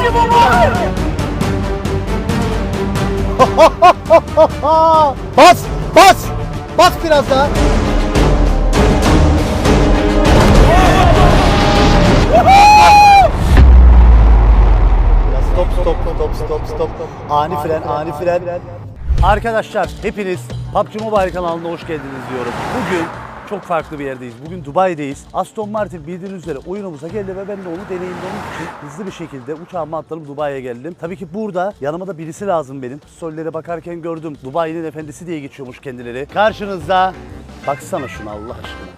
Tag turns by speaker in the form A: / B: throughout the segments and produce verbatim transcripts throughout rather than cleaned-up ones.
A: Bas! Bas! Bas biraz daha! Stop stop stop stop stop. Ani fren, ani fren. Arkadaşlar hepiniz P U B G Mobile kanalına hoş geldiniz diyorum. Bugün çok farklı bir yerdeyiz. Bugün Dubai'deyiz. Aston Martin bildiğiniz üzere oyunumuza geldi ve ben de onu deneyimlemek için hızlı bir şekilde uçağıma atladım, Dubai'ye geldim. Tabii ki burada yanıma da birisi lazım benim. Story'lere bakarken gördüm. Dubai'nin efendisi diye geçiyormuş kendileri. Karşınızda, baksana şuna Allah aşkına.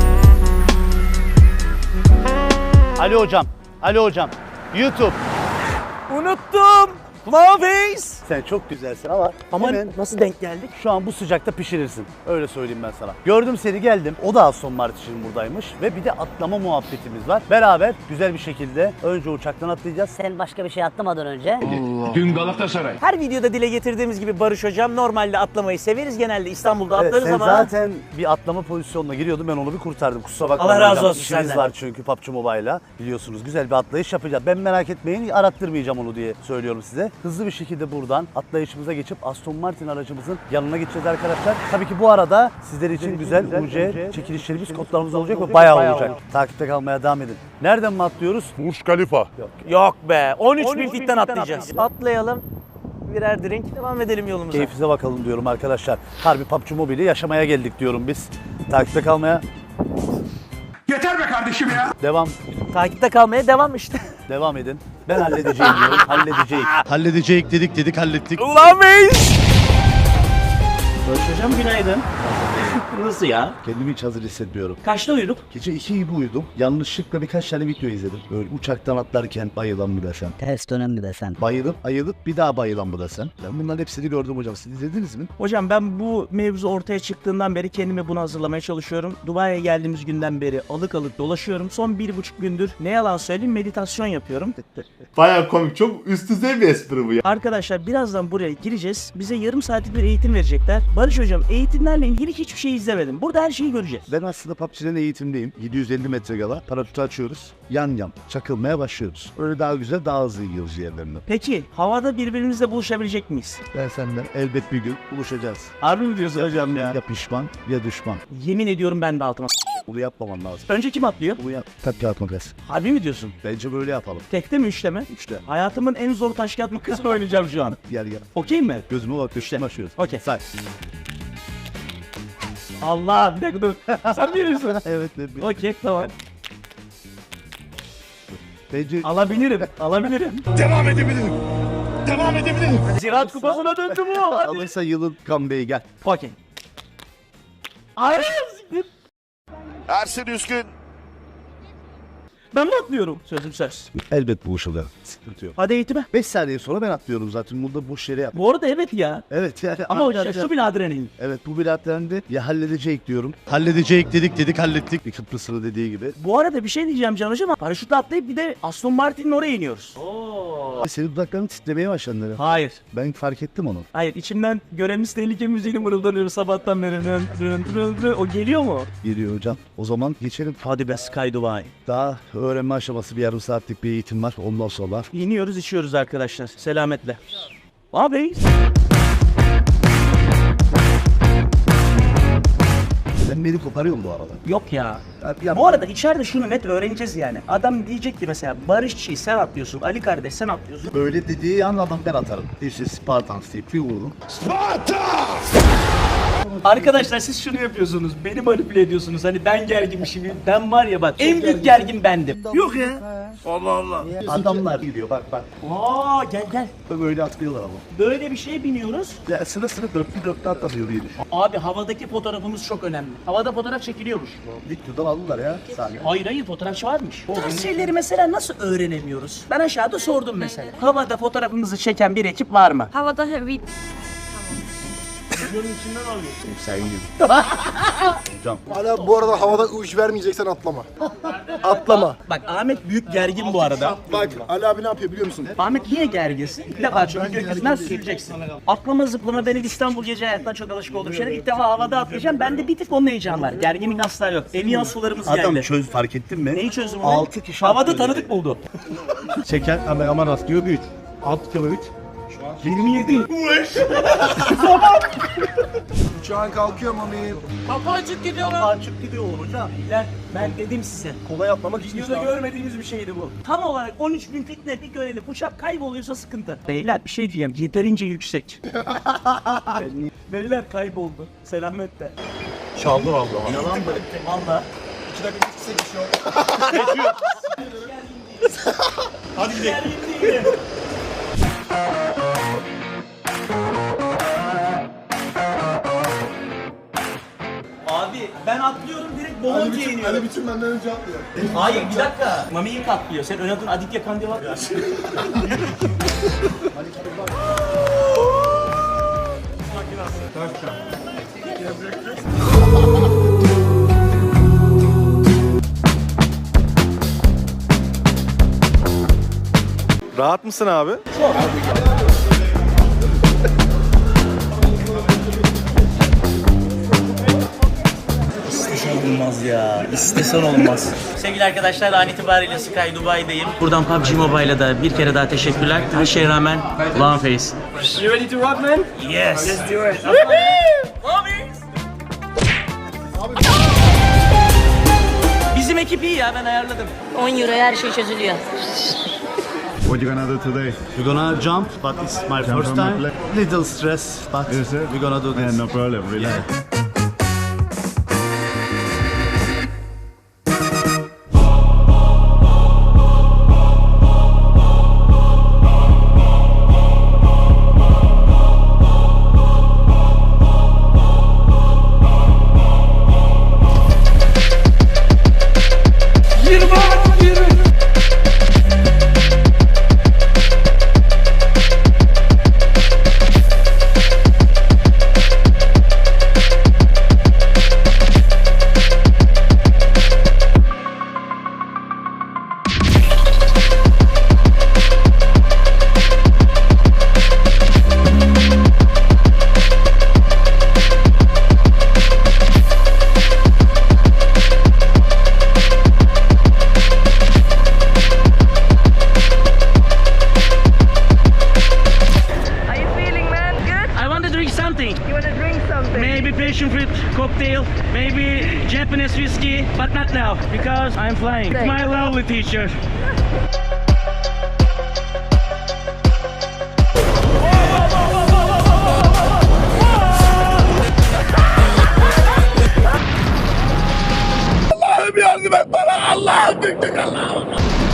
A: Ali hocam, Ali hocam. YouTube.
B: Unuttum. Flawface.
A: Sen çok güzelsin ama
B: Ama
A: hemen
B: nasıl denk geldik?
A: şu an bu sıcakta pişirirsin. Öyle söyleyeyim ben sana. Gördüm seni, geldim. O da Aston Martin buradaymış ve bir de atlama muhabbetimiz var. Beraber güzel bir şekilde önce uçaktan atlayacağız.
C: Sen başka bir şey atlamadan önce.
D: Dün Galatasaray.
B: Her videoda dile getirdiğimiz gibi Barış Hocam normalde atlamayı severiz. Genelde İstanbul'da
A: Evet,
B: atlarız
A: sen
B: ama
A: zaten bir atlama pozisyonuna giriyordun, ben onu bir kurtardım. Kusura bakma.
B: Allah razı
A: hocam.
B: olsun
A: İşimiz
B: senden.
A: var çünkü P U B G Mobile'la. Biliyorsunuz güzel bir atlayış yapacağız. Ben merak etmeyin, arattırmayacağım onu diye söylüyorum size. Hızlı bir şekilde buradan atlayışımıza geçip Aston Martin aracımızın yanına gideceğiz arkadaşlar. Tabii ki bu arada sizler için güzel U C çekilişlerimiz, kodlarımız olacak ve bayağı olacak. Takipte kalmaya devam edin. Nereden mi atlıyoruz?
D: Burj Khalifa.
B: yok be. on üç bin fitten atlayacağız. Atlayalım. Birer drink devam edelim yolumuza.
A: Keyfinize bakalım diyorum arkadaşlar. Harbi P U B G Mobile'i yaşamaya geldik diyorum biz. Takipte kalmaya
D: Yeter be kardeşim ya.
A: devam.
B: Takipte kalmaya devam işte.
A: Devam edin. Ben halledeceğim diyorum. Halledeceğiz. Halledeceğiz dedik dedik hallettik.
B: Flawface. Barış Hocam günaydın. Nasıl ya?
A: Kendimi hiç hazır hissetmiyorum.
B: Kaçta uyuduk?
A: Gece iki gibi uyudum. Yanlışlıkla birkaç tane video izledim. Böyle uçaktan atlarken bayılan mı desem.
C: Ters dönem mi desen.
A: Bayılıp ayılıp bir daha bayılan mı desem. Ben bunların hepsini gördüm hocam. Siz izlediniz mi?
E: Hocam ben bu mevzu ortaya çıktığından beri kendimi buna hazırlamaya çalışıyorum. Dubai'ye geldiğimiz günden beri alık alık dolaşıyorum. Son bir buçuk gündür ne yalan söyleyeyim meditasyon yapıyorum.
F: Baya komik. Çok üst düzey bir espri bu ya.
E: Arkadaşlar birazdan buraya gireceğiz. Bize yarım saatlik bir eğitim verecekler. Barış Hocam eğitimlerle ilgili hiçbir şey izlemedim. Burada her şeyi göreceğiz.
A: Ben aslında P U B G'den eğitimdeyim. yedi yüz elli metre gala. Paraşütü açıyoruz. Yan yan çakılmaya başlıyoruz. Öyle daha güzel, daha hızlı gidiyoruz yerlerine.
E: Peki havada birbirimizle buluşabilecek miyiz?
A: Ben senden elbet bir gün buluşacağız.
E: Harbi mi diyorsun hocam ya?
A: Ya pişman ya düşman.
E: Yemin ediyorum ben de altıma s-
A: Bunu yapmaman lazım.
E: Önce kim atlıyor?
A: Bunu yap. Tabii kağıt makas.
E: Harbi mi diyorsun?
A: Bence böyle yapalım.
E: Tekte mi üçte mi?
A: Üçte.
E: Hayatımın en zor taş kağıt makasını oynayacağım şu an.
A: Gel gel.
E: Okey mi?
A: Gözüme bak. Üçte başlıyoruz.
E: Okey.
A: Say.
E: Allah bir dakika dur. Sen biliyorsun.
A: Evet. evet.
E: Okey tamam.
A: Bence
E: Alabilirim. Alabilirim.
D: Devam edebilirim. Devam edebilirim.
E: Ziraat kupasına döndü bu.
A: alırsa yılın comeback'i gel.
E: Okey. Hayır.
D: Ersin Üskün.
E: Ben mi atlıyorum? Sözüm söz.
A: Elbet buluşalım. Sıkıntı yok.
E: Hadi eğitime.
A: beş saniye sonra ben atlıyorum zaten. Burada boş yere yap.
E: Bu arada evet ya.
A: Evet yani.
E: Ama hocam
A: atlayacağım.
E: şu bir adrenalin.
A: Evet bu bilatlendi. Ya halledecek diyorum. Halledecek dedik dedik hallettik. Bir Kıbrıs'ın dediği gibi.
E: Bu arada bir şey diyeceğim Can Hocam. Paraşütle atlayıp bir de Aston Martin'in oraya iniyoruz.
A: Senin dudakların titremeye başladı.
E: Hayır.
A: Ben fark ettim onu.
E: Hayır içimden görevimiz tehlike müziğini mırıldanıyor sabahtan beri. Rın, rın, rın, rın. O geliyor mu?
A: Geliyor hocam. O zaman geçelim.
E: Hadi be Sky Dubai.
A: Daha öğrenme aşaması bir yarım saatlik bir eğitim var. Ondan sonra.
E: İniyoruz içiyoruz arkadaşlar. Selametle. Abi.
A: Ben beni koparıyorum bu arada.
E: Yok ya.
A: Abi yapma.
E: Bu arada içeride şunu net öğreneceğiz yani. Adam diyecek ki mesela Barışçı sen atlıyorsun, Ali kardeş sen atlıyorsun.
A: Böyle dediği an adam ben atarım. This is Spartans deyip bir vururum.
E: Arkadaşlar siz şunu yapıyorsunuz, beni manipüle ediyorsunuz. Hani ben gerginmişim, ben var ya bak en büyük gergin bendim. Yok ya.
D: Allah Allah.
A: Adamlar gidiyor bak bak.
E: Aa gel gel.
A: Böyle atlıyorlar ama.
E: Böyle bir şeye biniyoruz.
A: Ya sıra sıra dörtlü dörtlü atlamıyor diye düşün.
E: Abi havadaki fotoğrafımız çok önemli. Havada fotoğraf çekiliyormuş.
A: Videodan aldılar ya. Saniye.
E: Hayır hayır fotoğrafçı varmış. Bu tarz şeyleri mesela nasıl öğrenemiyoruz? Ben aşağıda sordum mesela. Havada fotoğrafımızı çeken bir ekip var mı?
G: Havada bir
E: videonun içinden alıyorsun.
A: Sen gibi.
G: Hala bu arada havada uç vermeyeceksen atlama. Atlama.
E: Bak Ahmet büyük gergin bu arada.
G: Bak Ali abi ne yapıyor biliyor musun?
E: Ahmet niye gerginsin? Bir defa çünkü gökyüzünden süreceksin. Atlama zıplama benim İstanbul gece hayatından çok alışık olduğum şeyler. İlk defa havada atlayacağım. Bende bir tık onun heyecanı var. Gerginlik asla yok. Eviyan sularımız
A: Adam
E: geldi.
A: çöz fark ettin mi?
E: Neyi çözdüm onu?
A: Altı kişi
E: Havada
A: atlıyor.
E: tanıdık buldu.
G: Çeken kameraman rastlıyor büyük. Alt kilo üç.
E: yirmi yedi.
G: Uçağın kalkıyor mami.
E: Kapacık gidiyor lan. Kapacık gidiyor hocam. Beyler ben dedim size.
G: Kolay atlamak için.
E: Videoda görmediğiniz bir şeydi bu. Tam olarak on üç bin fit net bir görelim. Uçak kayboluyorsa sıkıntı. Beyler bir şey diyeyim. Yeterince yüksek. Beyler kayboldu. Selamet de.
G: Çaldı valla.
E: Yalan mı? Valla.
G: Hadi gidelim.
E: Abi ben atlıyorum direkt Bolontia'ya iniyorum.
G: bütün benden önce atlıyor.
E: Hayır bir dakika. Mami ilk atlıyor. Sen ön adın Aditya Kandil atlıyorsun.
H: Rahat mısın abi?
E: İstesen olmaz ya. İstesen olmaz. Sevgili arkadaşlar an itibariyle Sky Dubai'deyim. Buradan P U B G Mobile'a da bir kere daha teşekkürler. Her şeye rağmen long face. You ready to rock man? Yes. Let's do it. Bizim ekip iyi ya ben ayarladım.
I: on euroya her şey çözülüyor.
H: What you gonna do today?
A: We're gonna jump, but it's my first
H: from
A: time.
H: my
A: Little stress, but
H: Is it?
A: we're gonna do this.
H: Yeah, no problem, relax.
E: Maybe passion fruit cocktail, maybe Japanese whiskey, but not now because I'm flying. It's my lovely teacher.
D: Allah'ım yardım et bana. Allah'ım büyüklük Allah'ım.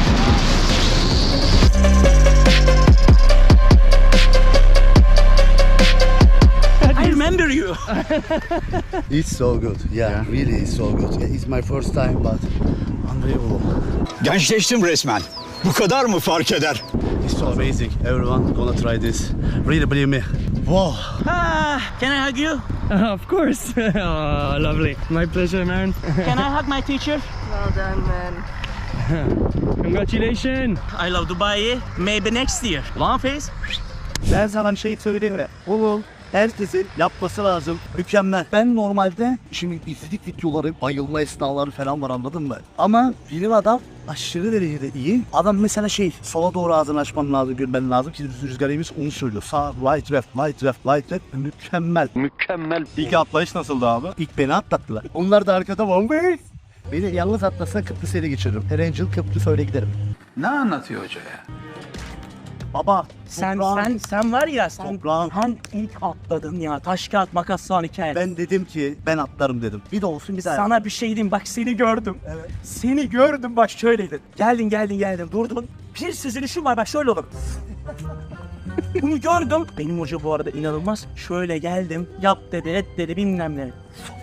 E: I remember you.
A: It's so good. Yeah, really it's so good. Yeah, it's my first time, but unbelievable.
J: Gençleştim resmen. Bu kadar mı fark eder?
A: It's so amazing. Everyone gonna try this. Really believe me. Wow.
E: Ah, can I hug you?
B: Of course. Oh, lovely. My pleasure, man.
E: Can I hug my teacher?
I: Well done man.
B: Congratulations.
E: I love Dubai. Maybe next year. Long face.
A: Ben sana bir şey söyleyeyim mi? Oğlum herkesin yapması lazım. Mükemmel. Ben normalde şimdi izledik videoları, bayılma esnaları falan var anladın mı? Ama bilim adam aşırı derecede iyi. Adam mesela şey sola doğru ağzını açman lazım, görmen lazım ki rüzgar eğimiz onu söylüyor. Sağ, right, left, right, left, right, left. Mükemmel.
H: Mükemmel. İlk atlayış nasıldı abi?
A: İlk beni atlattılar. Onlar da arkada var. Beni yalnız atlasa Kıbrıs'a ele geçiririm. Her Angel Kıbrıs öyle giderim.
D: Ne anlatıyor hoca ya?
A: Baba
E: Sen
A: toprağın-
E: sen sen var ya sen
A: Toprağın-
E: han ilk atladın ya. Taş kağıt makas son hikaye.
A: Ben dedim ki ben atlarım dedim. Bir de olsun bir daha.
E: Sana bir şey diyeyim bak seni gördüm. Evet. Seni gördüm bak şöyleydin. Geldin geldin geldin durdun. Bir süzülüşüm var bak şöyle olur. Bunu gördüm. Benim hoca bu arada inanılmaz. Şöyle geldim. Yap dedi et dedi bilmem ne.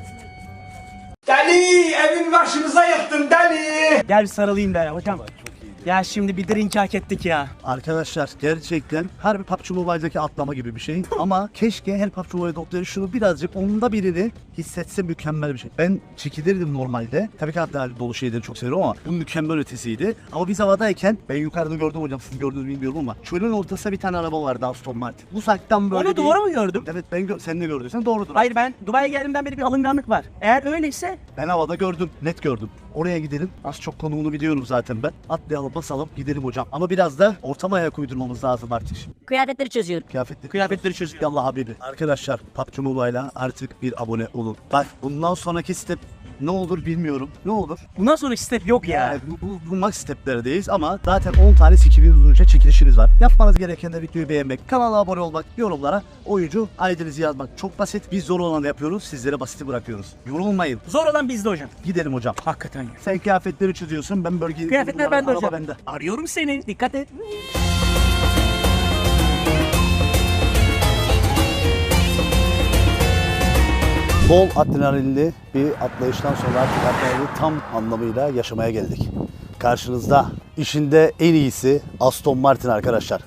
D: Deli evin başımıza yıktın deli.
E: Gel sarılayım be hocam. Ya şimdi bir drink hak ettik ya.
A: Arkadaşlar gerçekten harbi P U B G Mobile'daki atlama gibi bir şey. Ama keşke her P U B G Mobile doktoru şunu birazcık onda birini hissetse mükemmel bir şey. Ben çekilirdim normalde. Tabii ki hatta dolu şeyleri çok seviyorum ama bu mükemmel ötesiydi. Ama biz havadayken ben yukarıda gördüm hocam, siz gördünüz bilmiyorum ama çölün ortasında bir tane araba vardı, Aston Martin. Uzaktan böyle
E: Onu
A: bir...
E: doğru mu gördüm?
A: Evet ben gö- sen de gördüysen doğrudur.
E: Hayır, ben Dubai'ye geldiğimden beri bir alınganlık var. Eğer öyleyse
A: Ben havada gördüm, net gördüm. Oraya gidelim. Az çok konumunu biliyorum zaten ben. Atlayalım, basalım, gidelim hocam. Ama biraz da ortama ayak uydurmamız lazım artık.
I: Kıyafetleri çözüyorum.
A: Kıyafetleri,
E: kıyafetleri çözüyor.
A: Yallah Habibi. Arkadaşlar P U B G Mobile'a artık bir abone olun. Bak bundan sonraki step ne olur bilmiyorum. Ne olur?
E: Bundan sonra step yok ya.
A: Yani bu, bu, bu max steplerdeyiz ama zaten on tane skill'iniz uzunca çekilişiniz var. Yapmanız gereken de videoyu beğenmek, kanala abone olmak, yorumlara oyuncu I D'nizi yazmak. Çok basit. Biz zor olanı yapıyoruz, sizlere basiti bırakıyoruz. Yorulmayın.
E: Zor olan bizde hocam.
A: Gidelim hocam.
E: Hakikaten ya.
A: Sen kıyafetleri çözüyorsun, ben bölgeyi...
E: Kıyafetler bende
A: Araba
E: hocam.
A: bende.
E: Arıyorum seni. Dikkat et.
A: Bol adrenalinli bir atlayıştan sonra artık adrenalini tam anlamıyla yaşamaya geldik. Karşınızda işinde en iyisi Aston Martin arkadaşlar.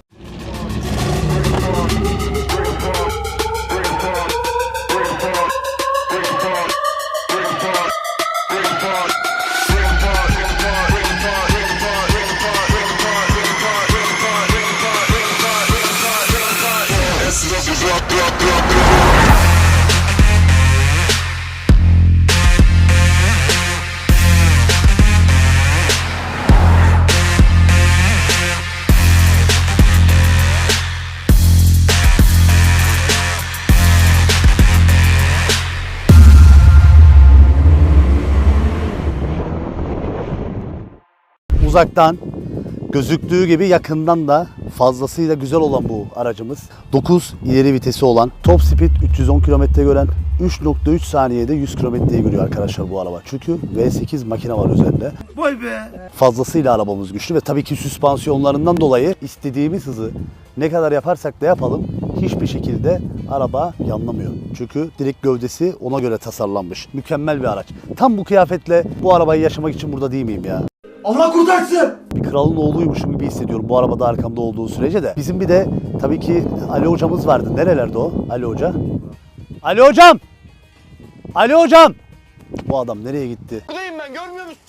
A: Uzaktan gözüktüğü gibi yakından da fazlasıyla güzel olan bu aracımız. dokuz ileri vitesi olan, top speed üç yüz on kilometre gören, üç nokta üç saniyede yüz kilometreyi görüyor arkadaşlar bu araba. Çünkü V sekiz makine var üzerinde.
D: Vay be.
A: Fazlasıyla arabamız güçlü ve tabii ki süspansiyonlarından dolayı istediğimiz hızı ne kadar yaparsak da yapalım hiçbir şekilde araba yanlamıyor. Çünkü direkt gövdesi ona göre tasarlanmış. Mükemmel bir araç. Tam bu kıyafetle bu arabayı yaşamak için burada değil miyim ya?
D: Allah kurtarsın.
A: Bir kralın oğluymuşum gibi hissediyorum bu arabada arkamda olduğu sürece de. Bizim bir de tabii ki Ali hocamız vardı. Nerelerde o Ali hoca? Ali hocam! Ali hocam! Bu adam nereye gitti?
J: Buradayım ben, görmüyor musun?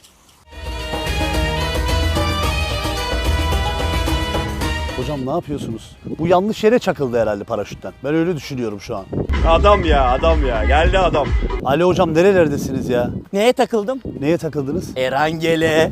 A: Hocam ne yapıyorsunuz? Bu yanlış yere çakıldı herhalde paraşütten. Ben öyle düşünüyorum şu an.
H: Adam ya, adam ya. Geldi adam.
A: Ali hocam nerelerdesiniz ya?
B: Neye takıldım?
A: Neye takıldınız?
B: Erangele.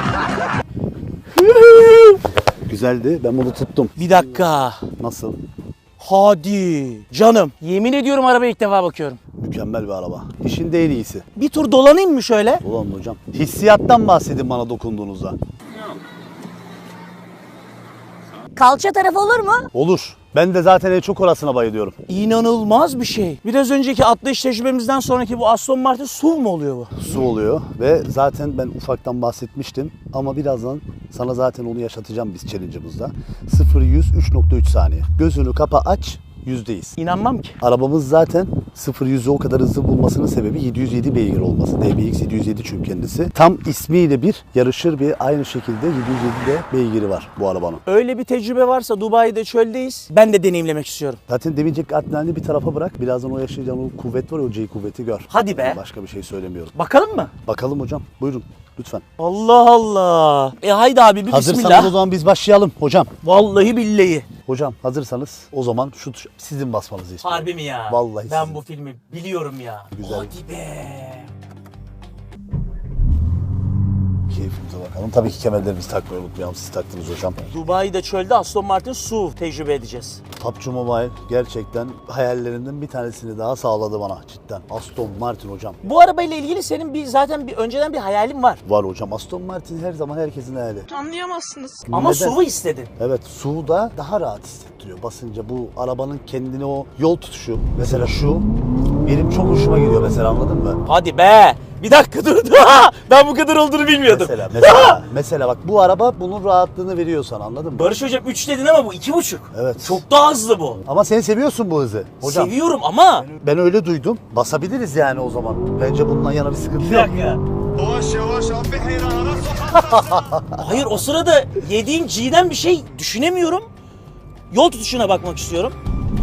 A: Güzeldi. Ben bunu tuttum.
B: Bir dakika.
A: Nasıl?
B: Hadi. Canım. Yemin ediyorum arabaya ilk defa bakıyorum.
A: Mükemmel bir araba. İşin de en iyisi.
B: Bir tur dolanayım mı şöyle?
A: Ulan hocam. Hissiyattan bahsedin bana dokunduğunuzda.
I: Kalça tarafı olur mu?
A: Olur. Ben de zaten en çok orasına bayılıyorum.
B: İnanılmaz bir şey. Biraz önceki atlayış tecrübemizden sonraki bu Aston Martin S U V mu oluyor bu?
A: Su oluyor ve zaten ben ufaktan bahsetmiştim ama birazdan sana zaten onu yaşatacağım biz challenge'ımızda. sıfır yüz üç nokta üç saniye. Gözünü kapa aç, yüzdeyiz.
B: İnanmam ki.
A: Arabamız zaten sıfır yüzü o kadar hızlı bulmasının sebebi yedi yüz yedi beygir olması. D B X yedi yüz yedi çünkü kendisi. Tam ismiyle bir yarışır bir aynı şekilde yedi yüz yedi de beygiri var bu arabanın.
B: Öyle bir tecrübe varsa Dubai'de çöldeyiz. Ben de deneyimlemek istiyorum.
A: Zaten demeyecek adrenalini bir tarafa bırak. Birazdan o yaşayacağın o kuvvet var ya, o G kuvveti gör.
B: Hadi be.
A: Başka bir şey söylemiyorum.
B: Bakalım mı?
A: Bakalım hocam. Buyurun lütfen.
B: Allah Allah. E haydi abi bir
A: Hazırsanız
B: bismillah.
A: o zaman biz başlayalım hocam.
B: Vallahi billahi.
A: Hocam hazırsanız o zaman şu tuş- sizin basmanızı istiyorum.
B: Harbi mi ya?
A: Vallahi
B: Ben
A: sizin.
B: bu filmi biliyorum ya.
A: Güzel.
B: Hadi be.
A: Keyfimize bakalım. Tabii ki kemerlerimizi takmayı unutmayalım. Siz taktınız hocam.
B: Dubai'de çölde Aston Martin S U V tecrübe edeceğiz.
A: P U B G Mobile gerçekten hayallerinden bir tanesini daha sağladı bana cidden. Aston Martin hocam.
B: Bu arabayla ilgili senin bir zaten bir önceden bir hayalin var.
A: Var hocam. Aston Martin her zaman herkesin hayali.
I: Anlayamazsınız.
B: Ama
A: Neden?
B: S U V istedin.
A: Evet, suda daha rahat hissettiriyor basınca. Bu arabanın kendine o yol tutuşu. Mesela şu benim çok hoşuma gidiyor mesela, anladın mı?
B: Hadi be. Bir dakika dur. Ben bu kadar olduğunu bilmiyordum.
A: Mesela mesela, mesela bak bu araba bunun rahatlığını veriyor sana, anladın mı?
B: Barış hocam üç dedin ama bu iki buçuk.
A: Evet.
B: Çok daha hızlı bu.
A: Ama sen seviyorsun bu hızı. Hocam
B: Seviyorum ama.
A: ben öyle duydum. Basabiliriz yani o zaman. Bence bundan yana bir sıkıntı
B: Bir
A: yok.
B: dakika.
H: Yavaş yavaş abi, heyrana sokak.
B: Hayır, o sırada yediğim G'den bir şey düşünemiyorum. Yol tutuşuna bakmak istiyorum.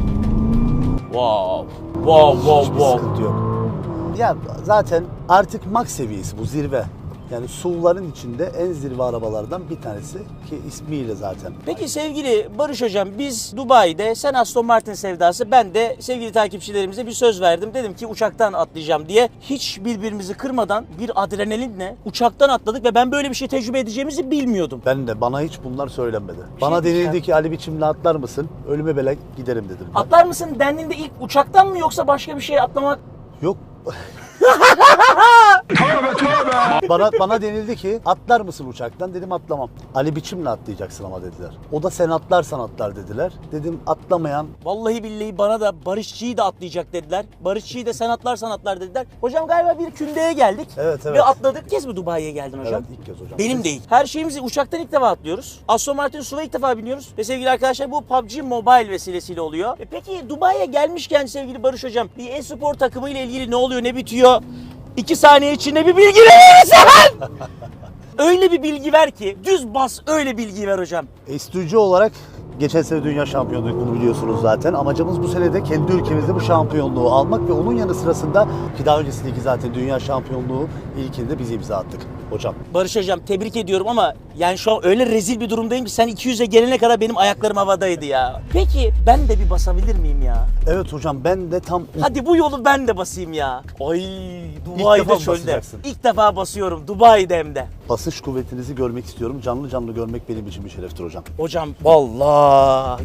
B: Wow. Wow, wow,
A: Hiçbir
B: wow.
A: sıkıntı yok. Ya zaten artık max seviyesi bu, zirve. Yani S U V'ların içinde en zirve arabalardan bir tanesi ki ismiyle zaten.
B: Peki sevgili Barış Hocam, biz Dubai'de, sen Aston Martin sevdası, ben de sevgili takipçilerimize bir söz verdim. Dedim ki uçaktan atlayacağım diye. Hiç birbirimizi kırmadan bir adrenalinle uçaktan atladık ve ben böyle bir şey tecrübe edeceğimizi bilmiyordum.
A: Ben de, bana hiç bunlar söylenmedi. Bana
B: diyeceğim.
A: denildi ki Ali biçimle atlar mısın? Ölüme bile giderim dedim. Ben.
B: Atlar mısın dendiğinde ilk uçaktan mı yoksa başka bir şey atlamak?
A: Yok. bana bana denildi ki atlar mısın uçaktan? Dedim atlamam. Ali biçimle atlayacaksın ama dediler. O da sen atlarsan atlar dediler. Dedim atlamayan.
B: Vallahi billahi bana da Barışçı'yı da atlayacak dediler. Barışçı'yı da sen atlarsan atlar dediler. Hocam galiba bir kündeye geldik.
A: Evet, evet.
B: Ve atladık. İlk kez mi Dubai'ye geldin hocam?
A: Evet, ilk kez hocam.
B: Benim de ilk. Her şeyimizi uçaktan ilk defa atlıyoruz. Aston Martin S U V'a ilk defa biniyoruz. Ve sevgili arkadaşlar, bu P U B G Mobile vesilesiyle oluyor. E peki Dubai'ye gelmişken sevgili Barış Hocam, bir e-spor takımı ile ilgili ne oluyor, ne bitiyor? İki saniye içinde bir bilgi verirsen. Öyle bir bilgi ver ki, düz bas, öyle bilgi ver hocam.
A: Estücü olarak geçen sene dünya şampiyonluğu, bunu biliyorsunuz zaten. Amacımız bu sene de kendi ülkemizde bu şampiyonluğu almak ve onun yanı sırasında ki daha öncesindeki zaten dünya şampiyonluğu ilkinde biz imza attık hocam.
B: Barış Hocam, tebrik ediyorum ama yani şu an öyle rezil bir durumdayım ki sen iki yüze gelene kadar benim ayaklarım havadaydı ya. Peki ben de bir basabilir miyim ya?
A: Evet hocam, ben de tam...
B: Hadi bu yolu ben de basayım ya. Ay,
A: defa
B: Dubai'de
A: mı
B: çölde.
A: basacaksın?
B: İlk defa basıyorum Dubai'de hem de.
A: Basış kuvvetinizi görmek istiyorum. Canlı canlı görmek benim için bir şereftir hocam.
B: Hocam vallahi.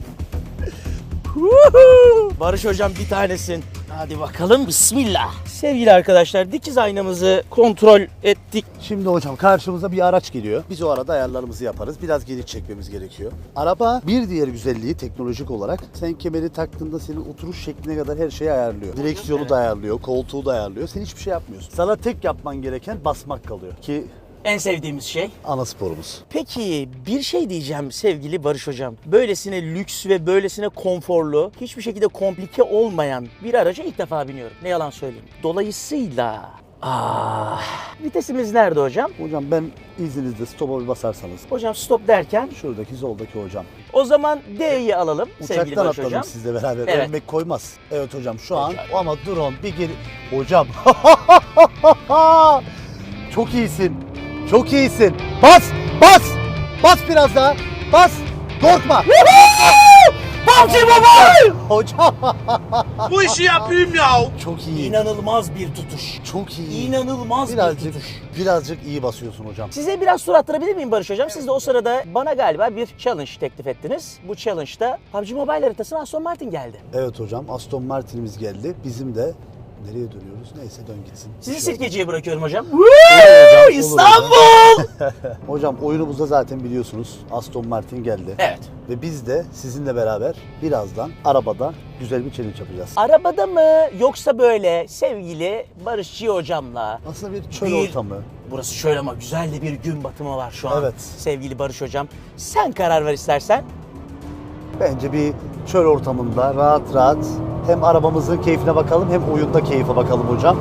B: Barış Hocam bir tanesin. Hadi bakalım, bismillah. Sevgili arkadaşlar, dikiz aynamızı kontrol ettik.
A: Şimdi hocam karşımıza bir araç geliyor. Biz o arada ayarlarımızı yaparız. Biraz geri çekmemiz gerekiyor. Araba bir diğer güzelliği teknolojik olarak sen kemeri taktığında senin oturuş şekline kadar her şeyi ayarlıyor. Direksiyonu da ayarlıyor, koltuğu da ayarlıyor. Sen hiçbir şey yapmıyorsun. Sana tek yapman gereken basmak kalıyor ki
B: En sevdiğimiz şey.
A: ana sporumuz.
B: Peki bir şey diyeceğim sevgili Barış Hocam. Böylesine lüks ve böylesine konforlu, hiçbir şekilde komplike olmayan bir araca ilk defa biniyorum. Ne yalan söyleyeyim. Dolayısıyla... Ah, vitesimiz nerede hocam?
A: Hocam ben izninizle stop'a bir basarsanız.
B: Hocam stop derken
A: Şuradaki soldaki hocam.
B: o zaman D'yi alalım sevgili
A: Uçaktan
B: Barış
A: atladım
B: Hocam.
A: sizle beraber.
B: Evet.
A: Ölmek koymaz. Evet hocam şu an
B: Hocam.
A: ama drone bir geri... Hocam. Çok iyisin. Çok iyisin. Bas! Bas! Bas biraz daha. Bas! Korkma.
B: P U B G Mobile!
A: Hocam.
H: Bu işi yapayım ya.
A: Çok iyi.
B: İnanılmaz bir tutuş.
A: Çok iyi.
B: İnanılmaz bir
A: Birazcık,
B: tutuş.
A: birazcık iyi basıyorsun hocam.
B: Size biraz tur attırabilir miyim Barış Hocam? Siz de o sırada bana galiba bir challenge teklif ettiniz. Bu challenge'da P U B G Mobile haritasına Aston Martin geldi.
A: Evet hocam, Aston Martin'imiz geldi. Bizim de nereye dönüyoruz? Neyse dön gitsin.
B: Sizi
A: Bir şey
B: Sirkeci'ye bırakıyorum hocam.
A: olmaz. Olur hocam.
B: İstanbul!
A: Hocam oyunumuzda zaten biliyorsunuz Aston Martin geldi.
B: Evet.
A: Ve biz de sizinle beraber birazdan arabada güzel bir challenge yapacağız.
B: Arabada mı yoksa böyle sevgili Barışçı hocamla?
A: Aslında bir çöl
B: Bir-
A: ortamı.
B: Burası şöyle ama güzel de bir gün batımı var şu an.
A: Evet.
B: Sevgili Barış Hocam. Sen karar ver istersen.
A: Bence bir çöl ortamında rahat rahat hem arabamızın keyfine bakalım hem oyunda keyfe bakalım hocam.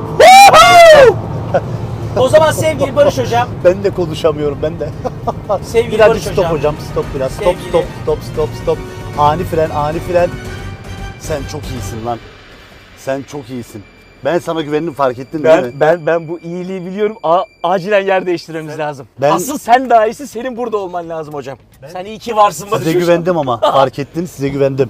B: O zaman sevgili Barış Hocam.
A: Ben de konuşamıyorum ben de.
B: Sevgili
A: Birazcık
B: Barış
A: stop
B: Hocam.
A: hocam. Stop biraz. Stop
B: Sevgili-
A: stop stop stop stop. Ani fren ani fren. Sen çok iyisin lan. Sen çok iyisin. Ben sana güvendim, fark ettin değil mi?
B: Ben ben ben bu iyiliği biliyorum. A- acilen yer değiştirmemiz lazım.
A: ben-
B: Asıl sen daha iyisi, senin burada olman lazım hocam. Sen iyi ki varsın Barış
A: Size
B: Hocam.
A: güvendim ama fark ettin, size güvendim.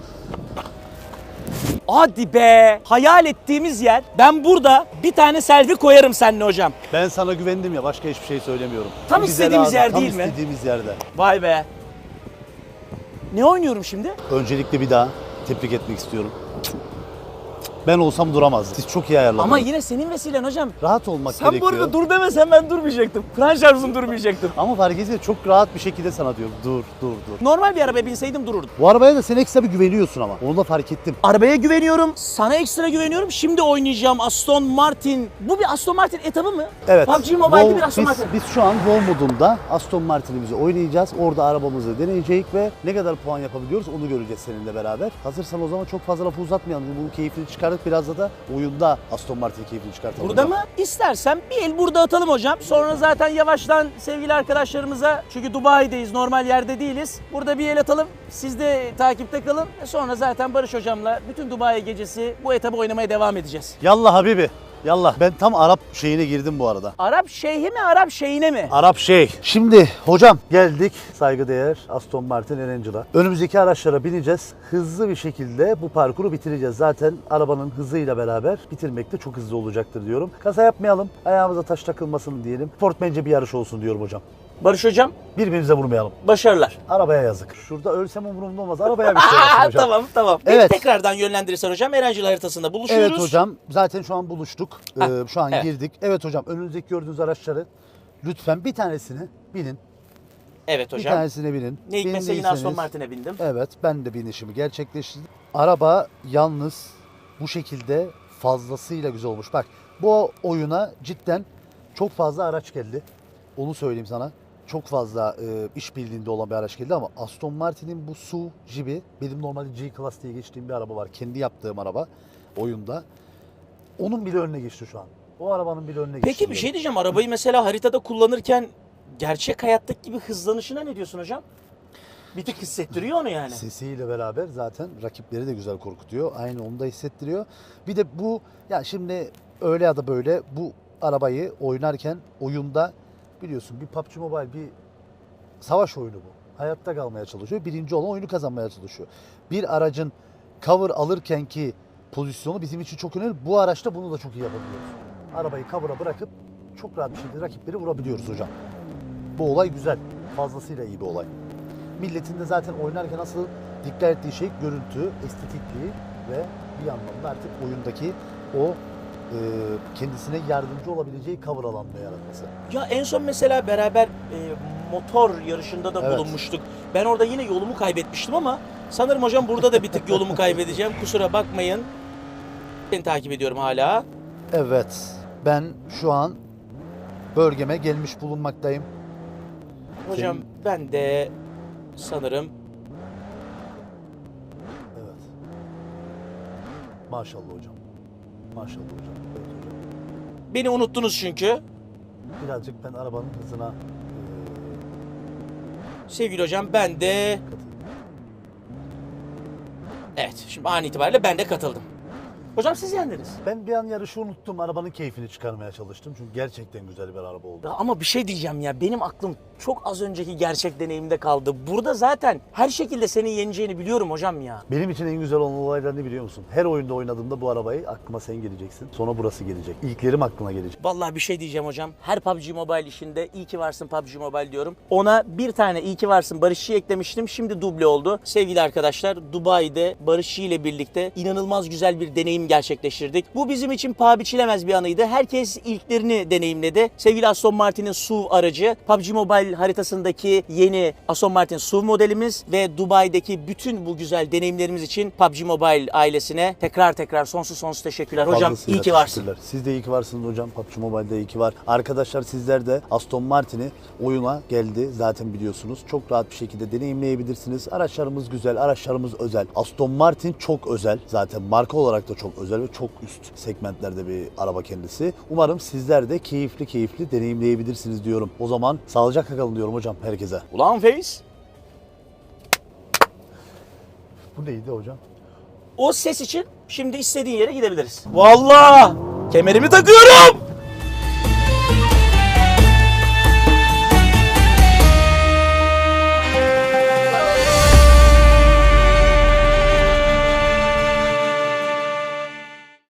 B: Hadi be. Hayal ettiğimiz yer. Ben burada bir tane selfie koyarım seninle hocam.
A: Ben sana güvendim ya, başka hiçbir şey söylemiyorum.
B: Tam
A: Bize
B: istediğimiz
A: lazım,
B: yer
A: tam
B: değil mi?
A: istediğimiz yerde.
B: Vay be. Ne oynuyorum şimdi?
A: Öncelikle bir daha tebrik etmek istiyorum. Ben olsam duramazdım. Siz çok iyi ayarladınız.
B: Ama yine senin vesilen hocam.
A: rahat olmak
B: Sen
A: gerekiyor.
B: bu arada dur demesen ben durmayacaktım. Fren şarjım durmayacaktım.
A: Ama fark etse çok rahat bir şekilde sana diyorum. Dur, dur, dur.
B: Normal bir arabaya binseydim dururdum.
A: Bu arabaya da sen ekstra bir güveniyorsun ama. Onu da fark ettim.
B: Arabaya güveniyorum, sana ekstra güveniyorum. Şimdi oynayacağım Aston Martin. Bu bir Aston Martin etabı mı?
A: Evet.
B: P U B G Mobile'de
A: Vol-
B: bir Aston
A: biz,
B: Martin.
A: biz şu an Vol modunda Aston Martin'imizi oynayacağız. Orada arabamızı deneyeceğiz ve ne kadar puan yapabiliyoruz onu göreceğiz seninle beraber. Hazırsan o zaman çok fazla lafı uzatmayalım. Bunun keyfini çıkar çıkardık. Biraz da oyunda Aston Martin keyfini çıkartalım.
B: Burada
A: hocam.
B: mı? İstersen bir el burada atalım hocam. Sonra zaten yavaştan sevgili arkadaşlarımıza, çünkü Dubai'deyiz, normal yerde değiliz. Burada bir el atalım. Siz de takipte kalın. Sonra zaten Barış hocamla bütün Dubai gecesi bu etabı oynamaya devam edeceğiz.
A: Yallah Habibi. Yallah. Ben tam Arap şeyine girdim bu arada.
B: Arap şeyhi mi, Arap şeyine mi?
A: Arap şey. Şimdi hocam geldik saygıdeğer Aston Martin Erangel'a. Önümüzdeki araçlara bineceğiz. Hızlı bir şekilde bu parkuru bitireceğiz. Zaten arabanın hızıyla beraber bitirmek de çok hızlı olacaktır diyorum. Kaza yapmayalım. Ayağımıza taş takılmasın diyelim. Sportmence bir yarış olsun diyorum hocam.
B: Barış hocam,
A: Birbirimize vurmayalım.
B: başarılar.
A: Arabaya yazık. Şurada ölsem umurumda olmaz. Arabaya bir şey yapsın hocam.
B: Tamam tamam. Beni
A: Evet.
B: tekrardan yönlendirirsen hocam, Erencil haritasında buluşuyoruz.
A: Evet hocam. Zaten şu an buluştuk. Ee,
B: Heh,
A: şu an
B: evet.
A: girdik. Evet hocam. Önünüzdeki gördüğünüz araçları lütfen bir tanesini binin.
B: Evet
A: Bir
B: hocam.
A: tanesine binin.
B: Ne hikmetse yine Aston
A: Bindiyseniz-
B: Martin'e bindim.
A: Evet, ben de binişimi gerçekleştirdim. Araba yalnız bu şekilde fazlasıyla güzel olmuş. Bak, bu oyuna cidden çok fazla araç geldi. Onu söyleyeyim sana. Çok fazla e, işbirliğinde olan bir araç geldi ama Aston Martin'in bu S U V Jeep'i, benim normalde G-Class diye geçtiğim bir araba var. Kendi yaptığım araba oyunda. Onun bile önüne geçti şu an. O arabanın bile önüne geçti.
B: Peki bir
A: diyorum.
B: şey diyeceğim. Arabayı mesela haritada kullanırken gerçek hayattaki gibi hızlanışına ne diyorsun hocam? Bir tık hissettiriyor onu yani.
A: Sesiyle beraber zaten rakipleri de güzel korkutuyor. Aynı onu da hissettiriyor. Bir de bu, ya şimdi öyle ya da böyle bu arabayı oynarken oyunda biliyorsun bir P U B G Mobile bir savaş oyunu bu. Hayatta kalmaya çalışıyor. Birinci olan oyunu kazanmaya çalışıyor. Bir aracın cover alırken ki pozisyonu bizim için çok önemli. Bu araçta bunu da çok iyi yapabiliyoruz. Arabayı cover'a bırakıp çok rahat bir şekilde rakipleri vurabiliyoruz hocam. Bu olay güzel. Fazlasıyla iyi bir olay. Milletin de zaten oynarken asıl dikkat ettiği şey görüntü, estetikliği ve bir yandan da artık oyundaki o e, kendisine yardımcı olabileceği cover alanını yaratması.
B: Ya en son mesela beraber e, motor yarışında da
A: Evet.
B: bulunmuştuk. Ben orada yine yolumu kaybetmiştim ama sanırım hocam burada da bir tık yolumu kaybedeceğim. Kusura bakmayın. Ben takip ediyorum hala.
A: Evet, ben şu an bölgeme gelmiş bulunmaktayım.
B: Hocam
A: Senin-
B: ben de sanırım
A: Evet. Maşallah hocam. Maşallah hocam. Evet hocam.
B: beni unuttunuz çünkü.
A: Birazcık ben arabanın hızına e,
B: Sevgili hocam ben de...
A: katayım.
B: Evet, şimdi an itibariyle ben de katıldım. Hocam siz yendiniz.
A: Ben bir an yarışı unuttum. Arabanın keyfini çıkarmaya çalıştım. Çünkü gerçekten güzel bir araba oldu.
B: Ya ama bir şey diyeceğim ya, benim aklım çok az önceki gerçek deneyimde kaldı. Burada zaten her şekilde senin yeneceğini biliyorum hocam ya.
A: Benim için en güzel olan olaylar ne biliyor musun? Her oyunda oynadığımda bu arabayı aklıma sen geleceksin. Sonra burası gelecek. İlklerim aklına gelecek.
B: Vallahi bir şey diyeceğim hocam. Her P U B G Mobile işinde iyi ki varsın P U B G Mobile diyorum. Ona bir tane iyi ki varsın Barışçı eklemiştim. Şimdi duble oldu. Sevgili arkadaşlar, Dubai'de Barışçı ile birlikte inanılmaz güzel bir deneyim gerçekleştirdik. Bu bizim için paha biçilemez bir anıydı. Herkes ilklerini deneyimledi. Sevgili Aston Martin'in S U V aracı, P U B G Mobile haritasındaki yeni Aston Martin S U V modelimiz ve Dubai'deki bütün bu güzel deneyimlerimiz için P U B G Mobile ailesine tekrar tekrar sonsuz sonsuz teşekkürler. Hocam
A: Fazlasıyla
B: iyi ki varsın.
A: teşekkürler. Siz de iyi ki varsınız hocam. P U B G Mobile'de iyi ki var. Arkadaşlar sizler de Aston Martin'i oyuna geldi. Zaten biliyorsunuz. Çok rahat bir şekilde deneyimleyebilirsiniz. Araçlarımız güzel, araçlarımız özel. Aston Martin çok özel. Zaten marka olarak da çok özel ve çok üst segmentlerde bir araba kendisi. Umarım sizler de keyifli keyifli deneyimleyebilirsiniz diyorum. O zaman sağlıcakla kalın diyorum hocam herkese.
B: Ulan Feyz.
A: Bu neydi hocam?
B: O ses için şimdi istediğin yere gidebiliriz. Vallahi kemerimi takıyorum.